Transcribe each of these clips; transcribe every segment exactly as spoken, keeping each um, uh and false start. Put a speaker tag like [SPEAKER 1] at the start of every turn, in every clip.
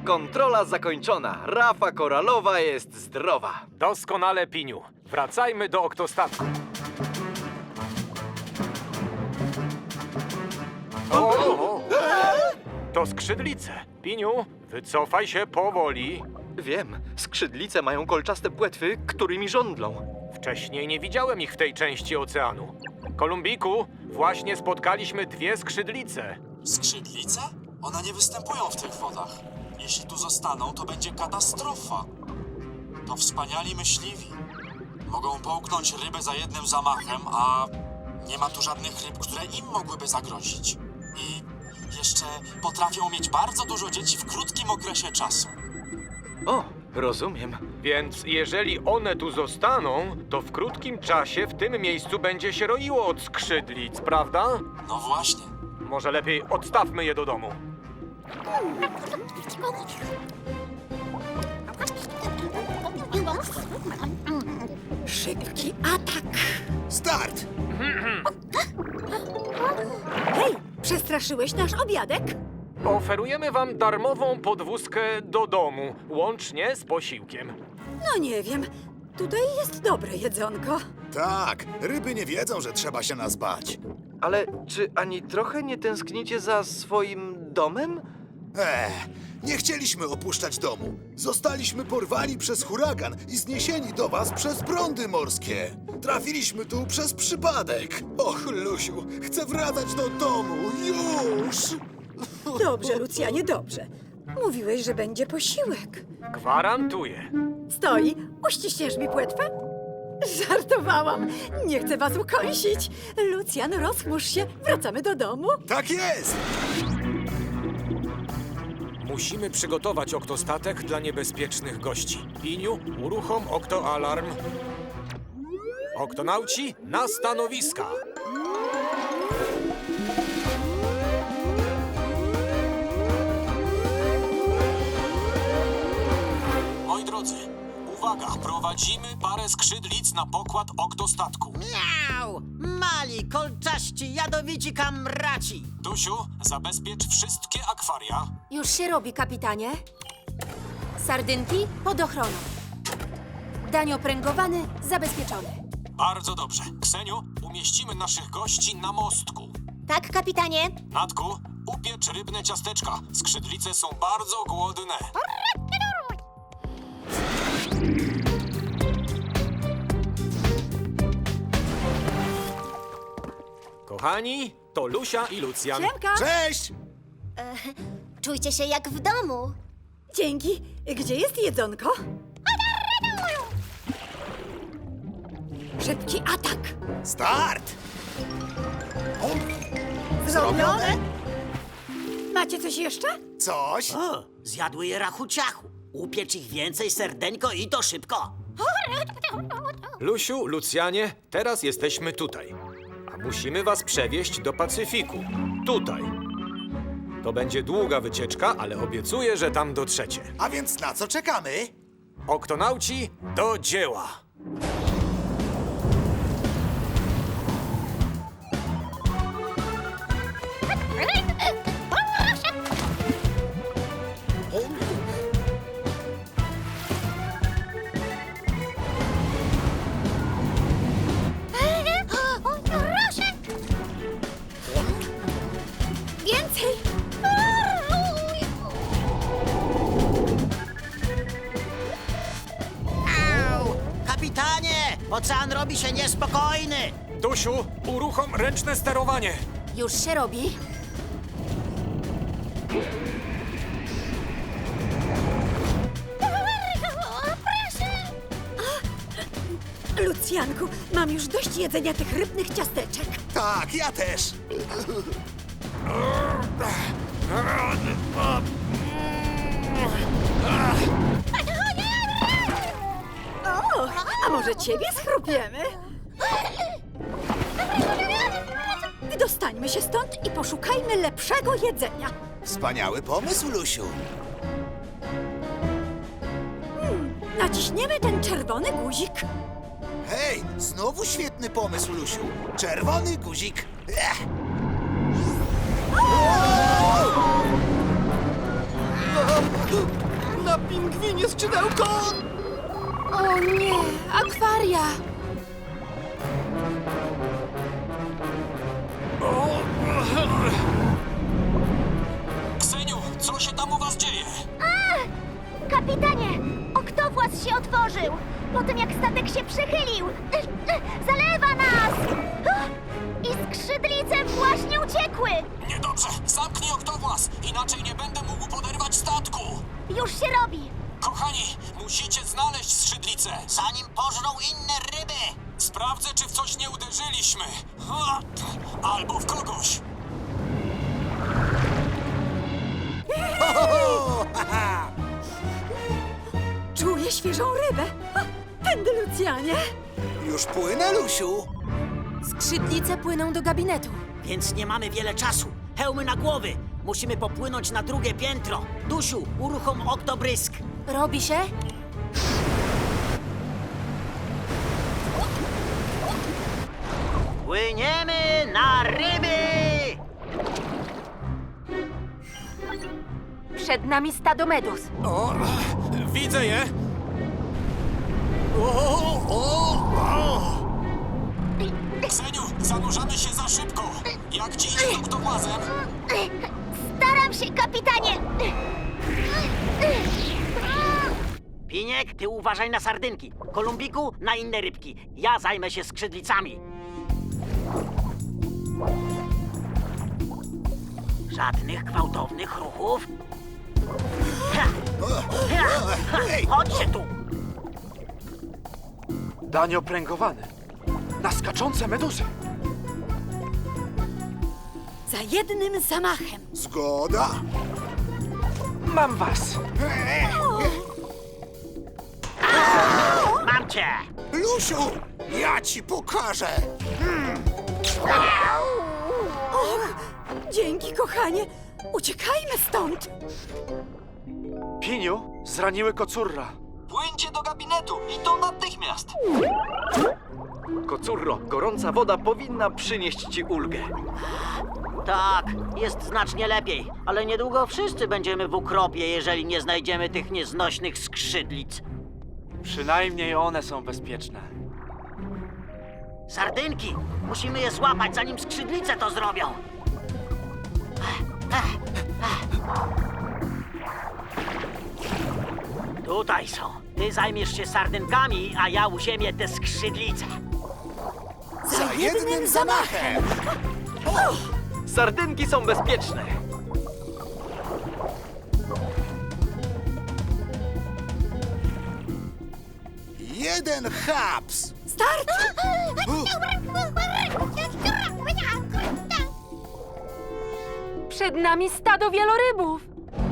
[SPEAKER 1] Kontrola zakończona. Rafa koralowa jest zdrowa.
[SPEAKER 2] Doskonale, Piniu. Wracajmy do oktostatku. O! To skrzydlice. Piniu, wycofaj się powoli.
[SPEAKER 1] Wiem, skrzydlice mają kolczaste płetwy, którymi żądlą.
[SPEAKER 2] Wcześniej nie widziałem ich w tej części oceanu. Kolumbiku, właśnie spotkaliśmy dwie skrzydlice.
[SPEAKER 3] Skrzydlice? One nie występują w tych wodach. Jeśli tu zostaną, to będzie katastrofa. To wspaniali myśliwi. Mogą połknąć rybę za jednym zamachem, a nie ma tu żadnych ryb, które im mogłyby zagrozić. I jeszcze potrafią mieć bardzo dużo dzieci w krótkim okresie czasu.
[SPEAKER 1] O, rozumiem.
[SPEAKER 2] Więc jeżeli one tu zostaną, to w krótkim czasie w tym miejscu będzie się roiło od skrzydlic, prawda?
[SPEAKER 3] No właśnie.
[SPEAKER 2] Może lepiej odstawmy je do domu.
[SPEAKER 4] Szybki atak!
[SPEAKER 5] Start!
[SPEAKER 4] Hej, przestraszyłeś nasz obiadek?
[SPEAKER 2] Oferujemy wam darmową podwózkę do domu, łącznie z posiłkiem.
[SPEAKER 4] No nie wiem, tutaj jest dobre jedzonko.
[SPEAKER 5] Tak, ryby nie wiedzą, że trzeba się nas bać.
[SPEAKER 1] Ale czy ani trochę nie tęsknicie za swoim domem?
[SPEAKER 5] Eee, nie chcieliśmy opuszczać domu. Zostaliśmy porwani przez huragan i zniesieni do was przez prądy morskie. Trafiliśmy tu przez przypadek. Och, Lusiu, chcę wracać do domu, już!
[SPEAKER 4] Dobrze, Lucjanie, dobrze. Mówiłeś, że będzie posiłek.
[SPEAKER 2] Gwarantuję.
[SPEAKER 4] Stoi, uściśniesz mi płetwę? Żartowałam, nie chcę was ukąsić. Lucjan, rozchmurz się, wracamy do domu.
[SPEAKER 5] Tak jest!
[SPEAKER 2] Musimy przygotować oktostatek dla niebezpiecznych gości. Piniu, uruchom oktoalarm. Oktonauci na stanowiska.
[SPEAKER 3] Moi drodzy, uwaga, prowadzimy parę skrzydlic na pokład oktostatku.
[SPEAKER 6] Miau! Mali, kolczaści, jadowici kamraci!
[SPEAKER 3] Dusiu, zabezpiecz wszystkie akwaria.
[SPEAKER 7] Już się robi, kapitanie. Sardynki pod ochroną. Dań opręgowany, zabezpieczony.
[SPEAKER 3] Bardzo dobrze. Kseniu, umieścimy naszych gości na mostku.
[SPEAKER 7] Tak, kapitanie.
[SPEAKER 3] Natku, upiecz rybne ciasteczka. Skrzydlice są bardzo głodne.
[SPEAKER 2] Kochani, to Lusia i Lucjan.
[SPEAKER 4] Siemka!
[SPEAKER 5] Cześć!
[SPEAKER 7] Czujcie się jak w domu.
[SPEAKER 4] Dzięki. Gdzie jest jedzonko? Szybki atak!
[SPEAKER 5] Start!
[SPEAKER 4] Zrobione? Macie coś jeszcze?
[SPEAKER 5] Coś?
[SPEAKER 6] O, zjadły je rachuciachu. Upiecz ich więcej, serdeńko, i to szybko.
[SPEAKER 2] Lusiu, Lucjanie, teraz jesteśmy tutaj. A musimy was przewieźć do Pacyfiku. Tutaj. To będzie długa wycieczka, ale obiecuję, że tam dotrzecie.
[SPEAKER 5] A więc na co czekamy?
[SPEAKER 2] Oktonauci, do dzieła!
[SPEAKER 7] Więcej!
[SPEAKER 6] Au! Kapitanie, ocean robi się niespokojny.
[SPEAKER 2] Dusiu, uruchom ręczne sterowanie.
[SPEAKER 7] Już się robi.
[SPEAKER 4] Lucjanku, mam już dość jedzenia tych rybnych ciasteczek.
[SPEAKER 5] Tak, ja też.
[SPEAKER 4] O, a może ciebie schrupiemy? Wydostańmy się stąd i poszukajmy lepszego jedzenia.
[SPEAKER 5] Wspaniały pomysł, Lusiu.
[SPEAKER 4] Naciśniemy ten czerwony guzik.
[SPEAKER 5] Hej, znowu świetny pomysł, Lusiu. Czerwony guzik. Ech.
[SPEAKER 4] O!
[SPEAKER 5] pingwinie skrzydełko!
[SPEAKER 7] O nie, akwaria!
[SPEAKER 3] Kseniu, co się tam u was dzieje?
[SPEAKER 8] Kapitanie, oktowłas się otworzył. Po tym jak statek się przechylił. Zalewa nas! I skrzydlice właśnie uciekły.
[SPEAKER 3] Niedobrze, zamknij oktowłas, inaczej nie będę mógł poderwać statku.
[SPEAKER 8] Już się robi.
[SPEAKER 3] Kochani, musicie znaleźć skrzydlicę.
[SPEAKER 6] Zanim pożrą inne ryby!
[SPEAKER 3] Sprawdzę, czy w coś nie uderzyliśmy. Ha! Albo w kogoś.
[SPEAKER 4] Czuję świeżą rybę. O, tędy, Lucjanie.
[SPEAKER 5] Już płynę, Lusiu.
[SPEAKER 7] Skrzydlice płyną do gabinetu.
[SPEAKER 6] Więc nie mamy wiele czasu. Hełmy na głowy! Musimy popłynąć na drugie piętro. Dusiu, uruchom oktobrysk.
[SPEAKER 7] Robi się?
[SPEAKER 6] Płyniemy na ryby!
[SPEAKER 7] Przed nami stado meduz.
[SPEAKER 2] O, widzę je.
[SPEAKER 3] Kseniu, zanurzamy się za szybko. Jak ci idzie z oktowłazem?
[SPEAKER 8] Staram się, kapitanie.
[SPEAKER 6] Piniek, ty uważaj na sardynki. Kolumbiku, na inne rybki. Ja zajmę się skrzydlicami. Żadnych gwałtownych ruchów. Ha! Ha! Ha! Chodźcie tu!
[SPEAKER 1] Danio pręgowany. Na skaczące meduzy.
[SPEAKER 4] Za jednym zamachem.
[SPEAKER 5] Zgoda.
[SPEAKER 1] Mam was.
[SPEAKER 6] Mam cię!
[SPEAKER 5] Lusiu, ja ci pokażę.
[SPEAKER 4] Dzięki, kochanie. Uciekajmy stąd.
[SPEAKER 1] Piniu, zraniły kocurra.
[SPEAKER 3] Płyńcie do gabinetu i to natychmiast.
[SPEAKER 1] Kocurro, gorąca woda powinna przynieść ci ulgę.
[SPEAKER 6] Tak, jest znacznie lepiej, ale niedługo wszyscy będziemy w ukropie, jeżeli nie znajdziemy tych nieznośnych skrzydlic.
[SPEAKER 1] Przynajmniej one są bezpieczne.
[SPEAKER 6] Sardynki! Musimy je złapać, zanim skrzydlice to zrobią. Tutaj są. Ty zajmiesz się sardynkami, a ja uziemię te skrzydlice.
[SPEAKER 5] Za jednym zamachem.
[SPEAKER 1] Sardynki są bezpieczne.
[SPEAKER 5] Jeden haps.
[SPEAKER 4] Start!
[SPEAKER 7] Przed nami stado wielorybów.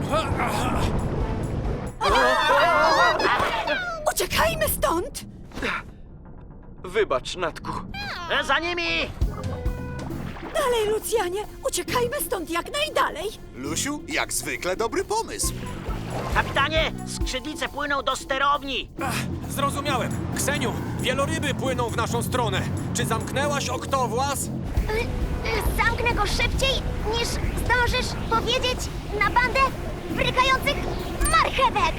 [SPEAKER 4] Uciekajmy stąd!
[SPEAKER 1] Wybacz, Natku.
[SPEAKER 6] E, Za nimi!
[SPEAKER 4] Dalej, Lucjanie! Uciekajmy stąd jak najdalej!
[SPEAKER 5] Lusiu, jak zwykle dobry pomysł.
[SPEAKER 6] Kapitanie, skrzydlice płyną do sterowni.
[SPEAKER 2] Zrozumiałem. Kseniu, wieloryby płyną w naszą stronę. Czy zamknęłaś oktowłas?
[SPEAKER 8] Zamknę go szybciej, niż zdążysz powiedzieć na bandę brykających marchewek.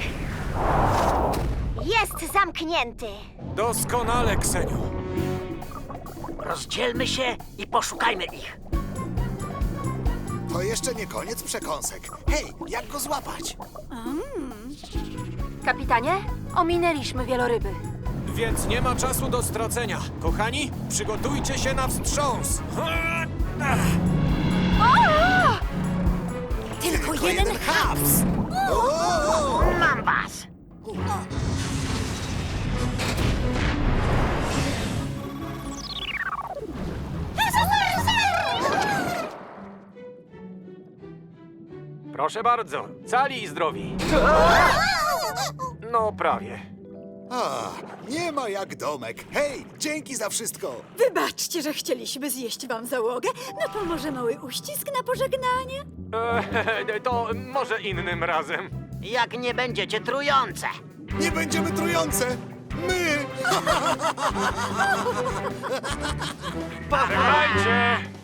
[SPEAKER 8] Jest zamknięty.
[SPEAKER 2] Doskonale, Kseniu.
[SPEAKER 6] Rozdzielmy się i poszukajmy ich.
[SPEAKER 5] To jeszcze nie koniec przekąsek. Hej, jak go złapać?
[SPEAKER 7] Kapitanie, ominęliśmy wieloryby.
[SPEAKER 2] Więc nie ma czasu do stracenia. Kochani, przygotujcie się na wstrząs.
[SPEAKER 4] Tylko jeden
[SPEAKER 5] haps. O!
[SPEAKER 6] Mam was!
[SPEAKER 2] Proszę bardzo, cali i zdrowi. No prawie.
[SPEAKER 5] A, nie ma jak domek. Hej, dzięki za wszystko.
[SPEAKER 4] Wybaczcie, że chcieliśmy zjeść wam załogę. No to może mały uścisk na pożegnanie?
[SPEAKER 2] E, to może innym razem.
[SPEAKER 6] Jak nie będziecie trujące.
[SPEAKER 5] Nie będziemy trujące. My!
[SPEAKER 2] Bywajcie!